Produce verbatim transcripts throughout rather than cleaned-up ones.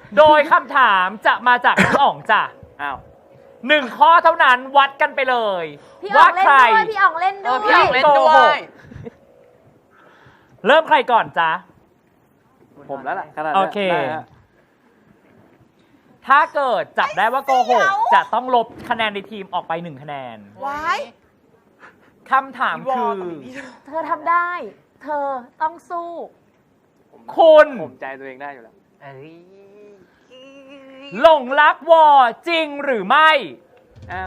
โดยคำถามจะมาจากน้องอ๋องจ้ะอ้าวหนึ่งข้อเท่านั้นวัดกันไปเลยพี่อ๋อว่างเล่นใครด้วยพี่อ๋องเล่นเอด้อวพี่อ๋องเล่นยด้วโกหยก เริ่มใครก่อนจ๊ะผมแล้วล่ะขนาดโอนี้เคได้ฮะถ้าเกิดจับได้ว่าโกหกจะต้องลบคะแนนในทีมออกไปหนึ่งคะแนนว้ายคำถามคือเธอทำได้ เธอต้องสู้คุณผมใจตัวเองได้อยู่แล้วเอ้ยหลงรักวอจริงหรือไม่อ้าว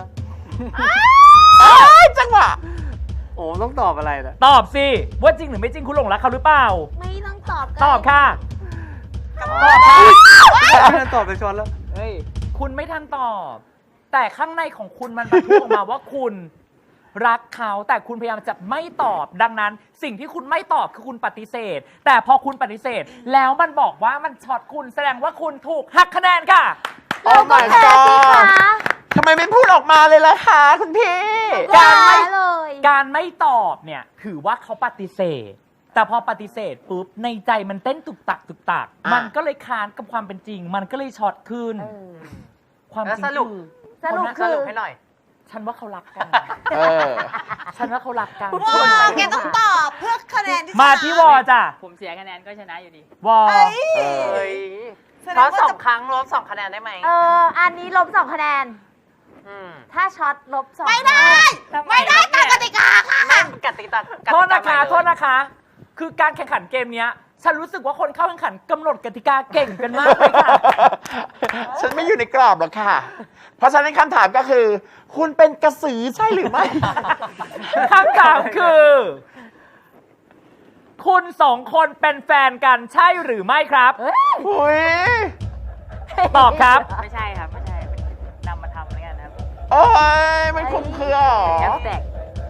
จังหวะโอ้ต้องตอบอะไรนะตอบสิว่าจริงหรือไม่จริงคุณหลงรักเขาหรือเปล่าไม่ต้องตอบตอบค่ะตอบค่ะไม่ได้ตอบไปช้อนแล้วเฮ้ยคุณไม่ทันตอบ แต่ข้างในของคุณมันบรรทุกออกมาว่าคุณรักเขาแต่คุณพยายามจะไม่ตอบ ดังนั้นสิ่งที่คุณไม่ตอบคือคุณปฏิเสธ แต่พอคุณปฏิเสธ แล้วมันบอกว่ามันช็อตคุณแสดงว่าคุณถูกหักคะแนนค่ะเราก็แพ้สิคะทำไมไม่พูดออกมาเลยล่ะคะคุณพี่การไม่แพ้เลยการไม่ตอบเนี่ยถือว่าเขาปฏิเสธ แต่พอปฏิเสธปุ๊บในใจมันเต้นตุกตักตุกตักอ่ะมันก็เลยค้านกับความเป็นจริง มันก็เลยช็อตขึ้นเออความจริงแล้วสรุปคือสรุปคนคืน่ะอให้หน่อยฉันว่าเขารักกันเออฉันว่าเขารักกันว้าแกต้องตอบเพื่อคะแนนที่มาที่วอจ้ะผมเสียคะแนนก็ชนะอยู่ดีวอเอ้ยเอ้ยแสดเพราะว่าสองจะครั้งลบสองคะแนนได้ไหมเออ อันนี้ลบสองคะแนนอืมถ้าช็อตลบสองไม่ได้ ไม่ได้ตามกติกาค่ะนั่นกติกาโทษนะคะกติกาใหม่เลยโทษนะคะ คือการแข่งขันเกมเนี้ย ฉันรู้สึกว่าคนเข้าแข่งขันกำหนดกติกาเก่งกันมากเลยค่ะฉันไม่อยู่ในกรอบหรอกค่ะ เพราะฉะนั้นคำถามก็คือ คุณเป็นกระสือใช่หรือไม่คำถามคือ คุณสองคนเป็นแฟนกันใช่หรือไม่ครับเฮ้ยอุ้ยตอบครับไม่ใช่ครับ ไม่ใช่นำมาทำแล้วกันนะครับโอ้ยมันคุ้มเครือเหรอแฮชแท็ก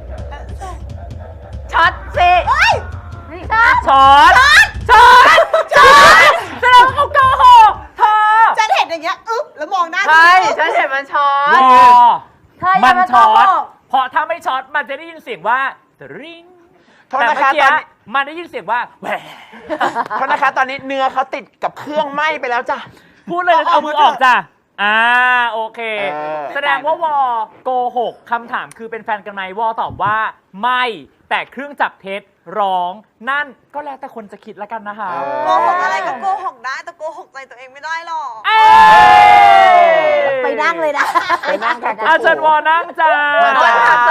ช็อตสินี่ค่ะช็อต ช็อต ช็อตแสดงว่าเขาโกหกเธอฉันเห็นอย่างเงี้ยอึ๊บแล้วมองหน้าใช่ ฉันเห็นมันช็อวตอเธออมัย่าน มาโกช็อหตกเพราะถ้าไม่ช็อตมันจะได้ยินเสียงว่าตริงโทษแต่นะเมื่อคะกี้ตอนนี้มันได้ยินเสียงว่าแหวโทษนะคะ ตอนนี้เนื้อเขาติดกับเครื่องไหม้ไปแล้วจ้ะพูดเลยนะเอามือออกจ้ะ อ่า โอเคเออแสดงว่าวอโกหกคำถามคือเป็นแฟนกันไหมวอตอบว่าไม่ แต่เครื่องจับเท็จร้อง นั่นก็แล้วแต่คนจะคิดแล้วกันนะคะโกหกอะไรก็โกหกได้แต่โกหกใจตัวเองไม่ได้หรอกเอ้ยไปนั่งเลยนะไปนั่งค่ะอาจารย์วอนั่งจ้ามาจ้ะ